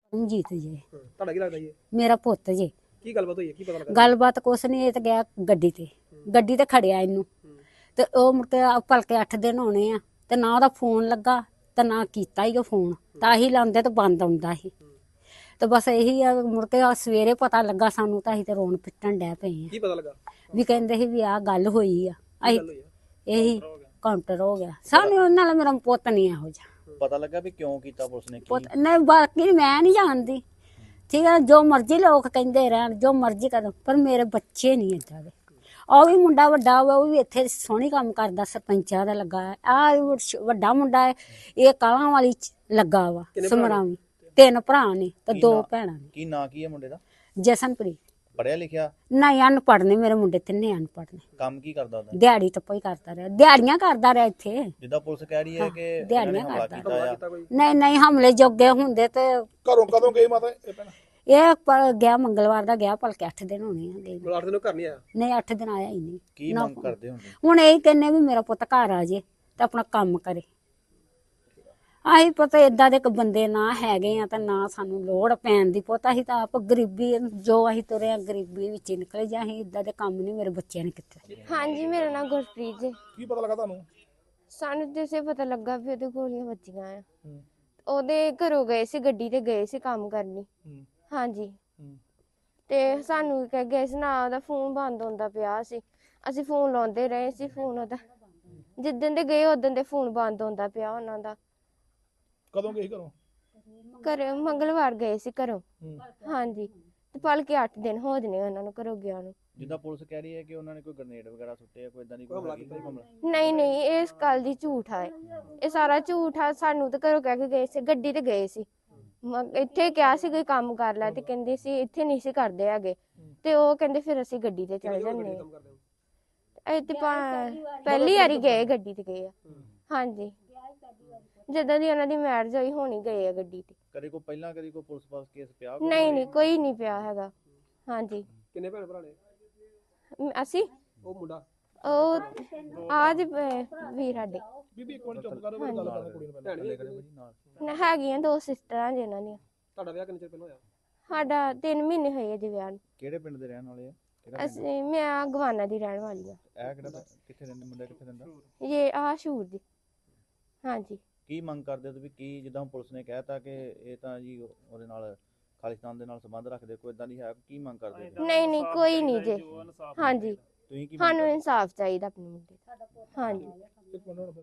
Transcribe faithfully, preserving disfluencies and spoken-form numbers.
ਰਣਜੀਤ ਜੀ ਤੁਹਾਡਾ ਕੀ ਲੱਗਦਾ ਜੀ? ਮੇਰਾ ਪੁੱਤ ਜੀ। ਕੀ ਗੱਲਬਾਤ ਹੋਈ ਹੈ? ਕੀ ਪਤਾ ਲੱਗਾ? ਗੱਲਬਾਤ ਕੁਛ ਨਹੀਂ, ਇਹ ਤਾਂ ਗਿਆ ਗੱਡੀ ਤੇ ਗੱਡੀ ਤੇ ਖੜਿਆ ਇਹਨੂੰ ਤੇ ਉਹ ਮੁੜ ਕੇ ਭਲਕੇ ਅੱਠ ਦਿਨ ਹੋਣੇ ਆ ਤੇ ਨਾ ਉਹਦਾ ਫੋਨ ਲੱਗਾ ਤੇ ਨਾ ਕੀਤਾ ਹੀ ਉਹ ਫੋਨ, ਤਾਂ ਹੀ ਲਾਉਂਦੇ ਤੇ ਬੰਦ ਆਉਂਦਾ ਸੀ। ਤੇ ਬਸ ਇਹੀ ਆ, ਮੁੜ ਕੇ ਆ ਸਵੇਰੇ ਪਤਾ ਲੱਗਾ ਸਾਨੂੰ ਤਾਂ ਅਸੀਂ ਤੇ ਰੋਣ ਪਿੱਟਣ ਡੈ ਪਏ ਆ। ਕੀ ਪਤਾ ਲੱਗਾ? ਵੀ ਕਹਿੰਦੇ ਸੀ ਵੀ ਆਹ ਗੱਲ ਹੋਈ ਆ। ਅਸੀਂ ਗੱਲ ਹੋਈ ਆ? ਇਹੀ ਕਾਊਂਟਰ ਹੋ ਗਿਆ ਸਾਨੂੰ, ਉਹਨਾਂ ਨਾਲ ਮੇਰਾ ਪੁੱਤ ਨਹੀਂ ਇਹੋ ਜਿਹਾ। ਪਤਾ ਲੱਗਾ ਵੀ ਕਿਉਂ ਕੀਤਾ ਪੁਲਿਸ ਨੇ? ਕੀ ਪੁੱਤ ਨਹੀਂ, ਬਾਕੀ ਮੈਂ ਨਹੀਂ ਜਾਣਦੀ, ਠੀਕ ਹੈ, ਜੋ ਮਰਜ਼ੀ ਲੋਕ ਕਹਿੰਦੇ ਰਹਿਣ, ਜੋ ਮਰਜ਼ੀ ਕਰਨ, ਪਰ ਮੇਰੇ ਬੱਚੇ ਨਹੀਂ ਏਦਾਂ ਦੇ। ਉਹ ਵੀ ਮੁੰਡਾ ਵੱਡਾ ਵਾ, ਉਹ ਵੀ ਇੱਥੇ ਸੋਹਣੀ ਕੰਮ ਕਰਦਾ, ਸਰਪੰਚਾਂ ਦਾ ਲੱਗਾ ਹੈ। ਆ ਵੱਡਾ ਮੁੰਡਾ ਹੈ, ਇਹ ਕਾਲਾਂ ਵਾਲੀ ਚ ਲੱਗਾ ਵਾ ਸਮਰਾਵੀ। ਤਿੰਨ ਭਰਾ ਨੇ ਤੇ ਕੀ ਦੋ ਨਾਂ- ਭੈਣਾਂ ਨੇ। ਕੀ ਨਾਂ ਕੀ ਹੈ ਮੁੰਡੇ ਦਾ? ਜਸਨਪ੍ਰੀਤ। ਪੜਿਆ ਲਿਖਿਆ? ਨਹੀਂ, ਅਨਪੜ੍ਹ ਨੇ ਮੇਰੇ ਮੁੰਡੇ, ਤਿੰਨੇ ਅਨਪੜ੍ਹ ਨੇ। ਕੰਮ ਕੀ ਕਰਦਾ ਉਹਦਾ? ਦਿਹਾੜੀ ਟੱਪਾ ਹੀ ਕਰਦਾ ਰਿਹਾ, ਦਿਹਾੜੀਆਂ ਕਰਦਾ ਰਿਹਾ ਇੱਥੇ। ਜਿੱਦਾਂ ਪੁਲਿਸ ਕਹਿ ਰਹੀ ਹੈ ਕਿ ਇਹਨਾਂ ਨੇ ਦਿਹਾੜੀਆਂ ਹਮਲਾ ਕਰਦਾ। ਕੀਤਾ ਆ। ਕੀਤਾ ਕੋਈ? ਨਹੀਂ ਨਹੀਂ, ਹਮਲੇ ਜੋਗੇ ਹੁੰਦੇ ਤੇ ਘਰੋਂ ਕਦੋਂ ਗਏ ਮਾਤਾ ਇਹ ਭੈਣ? ਇਹ ਪ- ਗਿਆ ਮੰਗਲਵਾਰ ਦਾ ਗਿਆ, ਭਲਕੇ ਅੱਠ ਦਿਨ ਹੋਣੇ ਆ ਗਏ ਨੂੰ। ਮਤਲਬ ਅੱਠ ਦਿਨੋਂ ਘਰ ਨਹੀਂ ਆਇਆ? ਨਹੀਂ, ਅੱਠ ਦਿਨ ਆਇਆ ਹੀ ਨਹੀਂ। ਕੀ ਨਾ ਮੰਗ ਕਰਦੇ ਹੁੰਦੇ? ਹੁਣ ਇਹ ਕਹਿੰਨੇ ਵੀ ਮੇਰਾ ਪੁੱਤ ਘਰ ਆ ਜੇ ਤੇ ਆਪਣਾ ਕੰਮ ਕਰੇ। ਆਹੀ ਪਤਾ ਏਦਾਂ ਦੇ ਇੱਕ ਬੰਦੇ ਨਾ ਹੈਗੇ ਆ ਤਾਂ ਨਾ ਸਾਨੂੰ ਲੋੜ ਪੈਣ ਦੀ। ਪੁੱਤ ਅਸੀਂ ਤਾਂ ਆਪ ਗਰੀਬੀ, ਜੋ ਅਸੀਂ ਤੁਰੇ ਆ ਗਰੀਬੀ ਵਿੱਚ ਹੀ ਨਿਕਲੇ, ਜਾਂ ਅਸੀਂ ਏਦਾਂ ਦੇ ਕੰਮ ਨਹੀਂ ਮੇਰੇ ਬੱਚਿਆਂ ਨੇ ਕੀਤੇ। ਹਾਂਜੀ, ਮੇਰਾ ਨਾਮ ਗੁਰਪ੍ਰੀਤ ਜੀ। ਕੀ ਪਤਾ ਲੱਗਾ ਤੁਹਾਨੂੰ? ਸਾਨੂੰ ਜਿਸੇ ਪਤਾ ਲੱਗਾ ਵੀ ਉਹਦੇ ਗੋਲੀਆਂ ਵੱਜੀਆਂ ਆ। ਹੂੰ ਉਹਦੇ ਘਰੋਂ ਗਏ ਸੀ, ਗੱਡੀ ਤੇ ਗਏ ਸੀ ਕੰਮ ਕਰਨੀ। ਹੂੰ ਹਾਂਜੀ, ਹੂੰ ਤੇ ਸਾਨੂੰ ਕਹਿ ਗਏ ਸੀ ਨਾ, ਉਹਦਾ ਫੋਨ ਬੰਦ ਹੁੰਦਾ ਪਿਆ ਸੀ। ਅਸੀਂ ਫੋਨ ਲਾਉਂਦੇ ਰਹੇ ਸੀ, ਫੋਨ ਉਹਦਾ ਜਿੱਦਣ ਦੇ ਗਏ ਉਦੋਂ ਦੇ ਫੋਨ ਬੰਦ ਹੁੰਦਾ ਪਿਆ ਉਹਨਾਂ ਦਾ। ਕਦੋਂ ਗਏ ਸੀ ਘਰੋਂ? ਘਰ ਮੰਗਲਵਾਰ ਗਏ ਸੀ ਘਰੋਂ। ਹੂੰ ਹਾਂਜੀ, ਤੇ ਭਲਕੇ ਅੱਠ ਦਿਨ ਹੋ ਜਨੇ ਉਹਨਾਂ ਨੂੰ ਘਰੋਂ ਗਿਆ ਨੂੰ। ਜਿੱਦਾਂ ਪੁਲਿਸ ਕਹਿ ਰਹੀ ਹੈ ਕਿ ਉਹਨਾਂ ਨੇ ਕੋਈ ਗ੍ਰਨੇਡ ਵਗੈਰਾ ਸੁੱਟੇ ਆ, ਕੋਈ ਇਦਾਂ ਦੀ ਕੋਈ ਹਮਲਾ ਹੈਗੀ ਕੀਤਾ? ਕੋਈ ਹਮਲਾ? ਨਹੀਂ ਨਹੀਂ, ਇਹ ਇਸ ਗੱਲ ਦੀ ਝੂਠ ਆ। ਇਹ ਸਾਰਾ ਝੂਠ ਆ। ਸਾਨੂੰ ਤਾਂ ਘਰੋਂ ਕਹਿ ਕੇ ਗਏ ਸੀ, ਗੱਡੀ ਤੇ ਗਏ ਸੀ। ਮ- ਇੱਥੇ ਕਿਹਾ ਸੀ ਕੋਈ ਕੰਮ ਕਰ ਲੈ, ਤੇ ਕਹਿੰਦੇ ਸੀ ਇੱਥੇ ਨਹੀਂ ਸੀ ਕਰਦੇ ਹੈਗੇ। ਤੇ ਉਹ ਕਹਿੰਦੇ ਫਿਰ ਅਸੀਂ ਗੱਡੀ ਤੇ ਚਲੇ ਜਾਂਦੇ ਕੰਮ ਕਰਦੇ ਹੋ? ਆ। ਇਹ ਤੇ ਪਾ- ਪਹਿਲੀ ਵਾਰੀ ਗਏ ਗੱਡੀ ਤੇ ਗਏ ਆ। ਹਾਂਜੀ, ਜਦੋਂ ਦੀ ਉਹਨਾਂ ਦੀ ਮੈਰਿਜ ਹੋਈ ਹੋਣੀ ਗਏ ਆ ਗੱਡੀ ਤੇ। ਕਦੇ ਕੋਈ ਪਹਿਲਾਂ ਕਦੇ ਕੋਈ ਪੁਲਿਸ ਪਾਸ ਕੇਸ ਪਿਆ ਕੋਈ? ਨਹੀਂ ਨਹੀਂ, ਕੋਈ ਨਹੀਂ ਪਿਆ ਹੈਗਾ। ਹਾਂਜੀ, ਕਿੰਨੇ ਭੈਣ ਭਰਾ ਨੇ? ਮ- ਅਸੀਂ ਉਹ ਮੁੰਡਾ ਉਹ ਆਜ ਵੀਰ ਸਾਡੇ ਬੀਬੀ ਇੱਕ ਮਿੰਟ ਚੁੱਪ ਕਰੋ, ਮੇਰੀ ਗੱਲ ਕਰਨ ਕੁੜੀ ਨੂੰ ਪਹਿਲਾਂ। ਭੈਣ ਵੀ ਕਦੇ ਭਾਜੀ ਨਾਲ? ਨ- ਹੈਗੀਆਂ ਦੋ ਸਿਸਟਰਾਂ ਜਿਨ੍ਹਾਂ ਦੀਆਂ। ਤੁਹਾਡਾ ਵਿਆਹ ਕਿੰਨੇ ਚਿਰ ਪਹਿਲਾਂ ਹੋਇਆ? ਸਾਡਾ ਤਿੰਨ ਮਹੀਨੇ ਹੋਏ ਆ ਜੀ ਵਿਆਹ ਨੂੰ। ਕਿਹੜੇ ਪਿੰਡ ਦੇ ਰਹਿਣ ਵਾਲੇ ਆ? ਕਿਹੜਾ ਪਿੰਡ? ਅਸੀਂ ਮੈਂ ਗਵਾਨਾ ਦੀ ਰਹਿਣ ਵਾਲੀ ਆ। ਇਹ ਕਿਹੜਾ ਪਿੰਡ? ਕਿੱਥੇ ਰਹਿੰਦੇ ਮੁੰਡਾ, ਕਿੱਥੇ ਰਹਿੰਦਾ? ਇਹ ਆਹ ਸ਼ੂਰ ਦੀ। ਹਾਂਜੀ, ਕੀ ਮੰਗ ਕਰਦੇ ਹੋ ਤੁਸੀਂ? ਕੀ ਜਿੱਦਾਂ ਹੁਣ ਪੁਲਿਸ ਨੇ ਕਹਿਤਾ ਕਿ ਇਹ ਤਾਂ ਜੀ ਉਹਦੇ ਨਾਲ ਖਾਲਿਸਤਾਨ ਦੇ ਨਾਲ ਸੰਬੰਧ ਰੱਖਦੇ, ਕੋਈ ਇਦਾਂ ਦੀ ਹੈ? ਕੀ ਮੰਗ ਕਰਦੇ ਹੋ? ਨਹੀਂ ਨਹੀਂ, ਕੋਈ ਨਹੀਂ ਜੀ। ਹਾਂਜੀ, ਤੁਸੀਂ ਕੀ ਮੰਗ ਸਾਨੂੰ ਕਰਦੇ? ਇਨਸਾਫ ਚਾਹੀਦਾ ਆਪਣੇ ਮੁੰਡੇ ਦਾ। ਹਾਂਜੀ। ਇੱਕ ਮਿੰਟ ਹੁਣ